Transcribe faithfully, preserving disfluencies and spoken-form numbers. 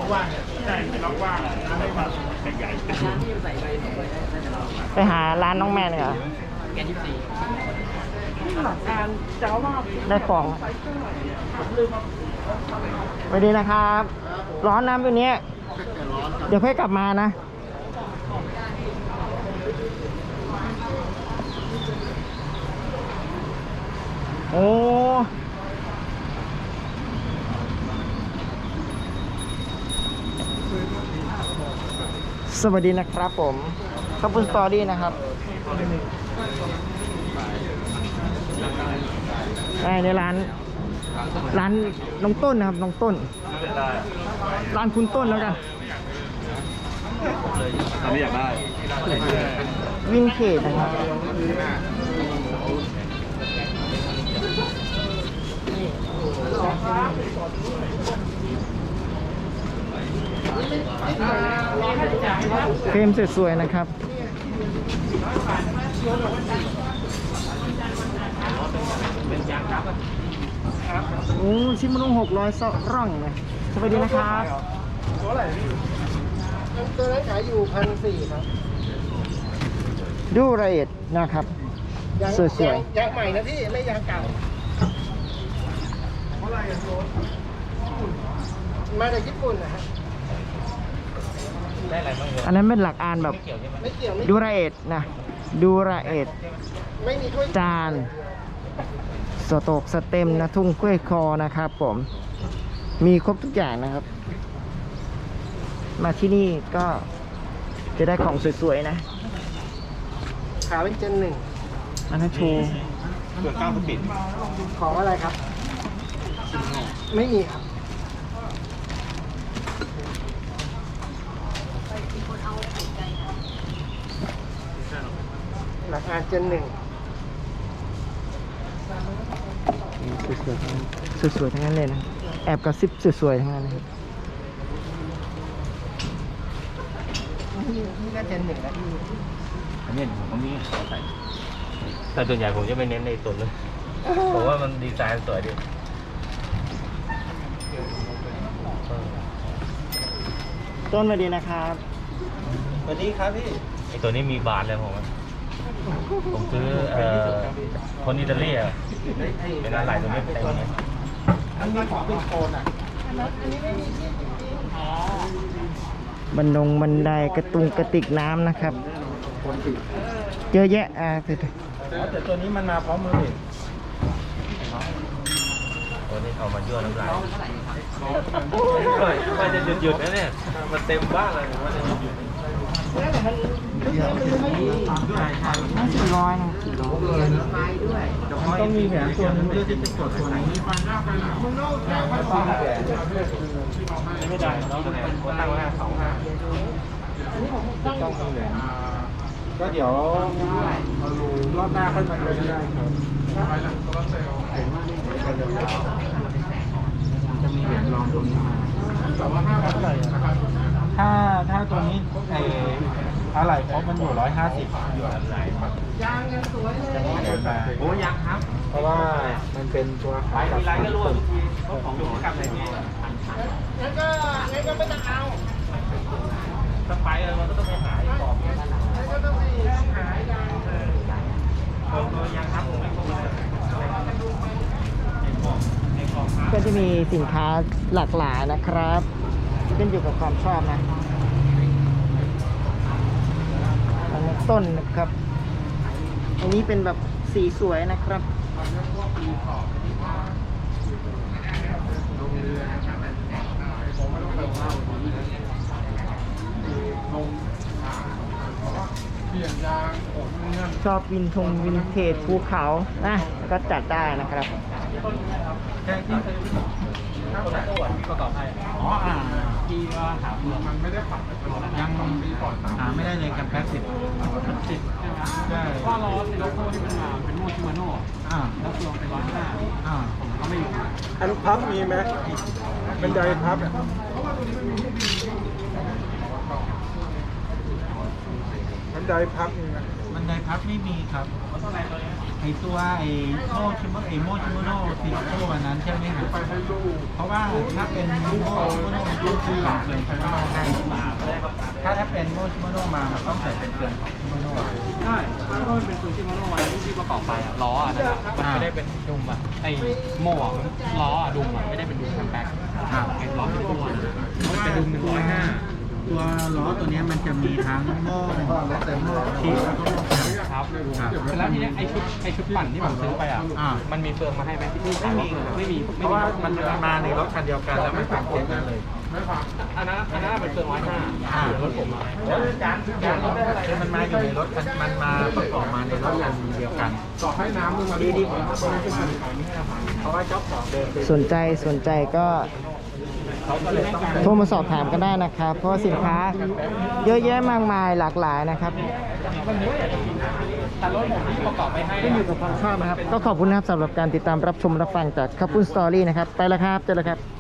ว่างใช่เป็นล็อกว่างน้ำไม่มาใหญ่ไปหาร้านน้องแม่เลยเหรอแกยี่สี่ได้ของสวัสดีนะครับ ร้อนน้ำตัวนี้เดี๋ยวค่อยกลับมานะโอ้สวัสดีนะครับผมขอบคุณสตอรี่นะครับในร้านร้านน้องต้นนะครับน้องต้นร้านคุณต้นแล้วกันตอนนี้อยากได้วินเทจนะครับเฟรมสวยๆนะครับโอ้ชิมนุงหกร้อยซร่องเลยสวัสดีนะครับตัวไหนตัวนั้นขายอยู่พันสี่ครับดูรายละเอียดนะครับสวยๆยางใหม่นะพี่ไม่ยางเก่ามาจากญี่ปุ่นนะฮะได้อะไรบ้างอันนั้นเป็นหลักอ่านแบบดูรายละเอียดนะดูรายละเอียดไม่มีถ้วยจานสโตกสเต็มนะทุ่งกล้วยคอนะครับผมมีครบทุกอย่างนะครับมาที่นี่ก็จะได้ของสวยๆนะขาเป็นเจนหนึ่งอันนั้นโชว์ส่วนก้าวสปิดของอะไรครับไม่มีครับหลักอ่านเจนหนึ่งสวยๆทั้งนั้นสวยๆทั้งนั้นเลยนะแอบกระซิบสวยๆทั้งนั้นเลยนี่ก็เจนหนึ่งแล้วพี่อันนี้ผมมีใส่แต่ส่วนใหญ่ผมจะไม่เน้นในตัวเลยผมว่ามันดีไซน์สวยดีต้นมาดีนะครับสวัสดีครับพี่ไอตัวนี้มีบาทเลยผมผมซื้อเอ่อคนอิตาลีอ่ะเป็นอะไรตัวนี้เต็มเลยอันนี้ของเป็นโคนอ่ะบันดงบันไดกระตุงกระติกน้ำนะครับเยอะแยะอ่าแต่ตัวนี้มันมาพร้อมมือตัวนี้เอามายั่วน้ำลายมันจะหยุดๆนะเนี่ยมันเต็มบ้านเลยมันจะหยุดน่าสี่ร้อยนะสี่ร้อยมันต้องมีแหวนตัวนึงเพื่อที่จะกดตัวนี้ไม่ได้เราตั้งไว้สองห้าต้องมีแหวนก็เดี๋ยวรอบหน้าค่อยมาดูได้ครับจะมีเหรียญรองตรงนี้มาถ้าถ้าตัวนี้ไอ้อะไรครบมันอยู่ร้อยห้าสิบอยู่อะไรครับยางยังสวยเลยโอ้ยังครับเพราะว่ามันเป็นตัวขายกับของตัวของอยู่กับอะไรนี่งั้นก็งั้นก็ไม่ต้องเอาถ้าไปมันก็ต้องไปหายของงั้นก็ต้องไปหายยางตัวยังครับผมไม่ครบเลยก็จะมีสินค้าหลากหลายนะครับขึ้นอยู่กับความชอบนะอันนี้ต้นนะครับอันนี้เป็นแบบสีสวยนะครับชอบวินทงวินเทจภูเขานะก็จัดได้นะครับประกอบให้อ๋ออ่าที่ว่าหาเปลือกมันไม่ได้ปัดยังหาไม่ได้เลยกับแพ็คสิบสิบใช่ไหมใช่ว่าล้อในโลโก้ที่มันมาเป็นโมชิมาโน่อ่าแล้วเปลือกเป็นร้อยห้าอ่าผมก็ไม่รู้อันพับมีไหมบันไดพับบันไดพับมีไหมบันไดพับไม่มีครับเท่าไหร่ตัวนี้แพตัวไอ้โมชิโมไอ้โมชิโมโน่ติโต้อันนั้นใช่ไหมครับเพราะว่าถ้าเป็นโมชิโมโน่มันต้องซื้อของเลยใช่ไหมให้ถ้าถ้าเป็นโมชิโมโน่มามันต้องใส่เป็นเกลือของชิโมโน่ใช่ถ้ามันเป็นซูชิมาโน่วันที่ประกอบไปอะล้ออะนั่นอะมันไม่ได้เป็นดุมอะไอโม่อะล้ออะดุมอะไม่ได้เป็นดุมแคมแบ็คไอล้อเป็นตัวมันเป็นดุมหนึ่งร้อยห้าตัวล้อตัวนี้มันจะมีทั้งโม่ชีสแล้วก็โม่แข็งครับแล้วทีนี้ไอชุดไอชุดปั่นที่ผมซื้อไปอ่ะอ่ามันมีเฟืองมาให้ไหมที่พี่ไม่มีไม่มีเพราะว่ามันมาในรถคันเดียวกันแล้วมันเป็นเซ็ตนั้นเลยอันนั้นอันนั้นเป็นเฟืองร้อยห้าอ่ารถผมอะจานจานคือมันมาอยู่ในรถคันมันมาประกอบมาในรถคันเดียวกันต่อให้น้ำมันดีดีกว่าเพราะว่าเจ้าของเดิมสนใจสนใจก็โทรมาสอบถามกันได้นะครับ เพราะว่าสินค้าเยอะแยะมากมายหลากหลายนะครับแต่รถผมที่ประกอบไปให้ขึ้นอยู่กับความชอบนะครับ ก็ขอบคุณนะครับสำหรับการติดตามรับชมรับฟังจากคับปุ้นสตอรี่นะครับ ไปแล้วครับเจอแล้วครับ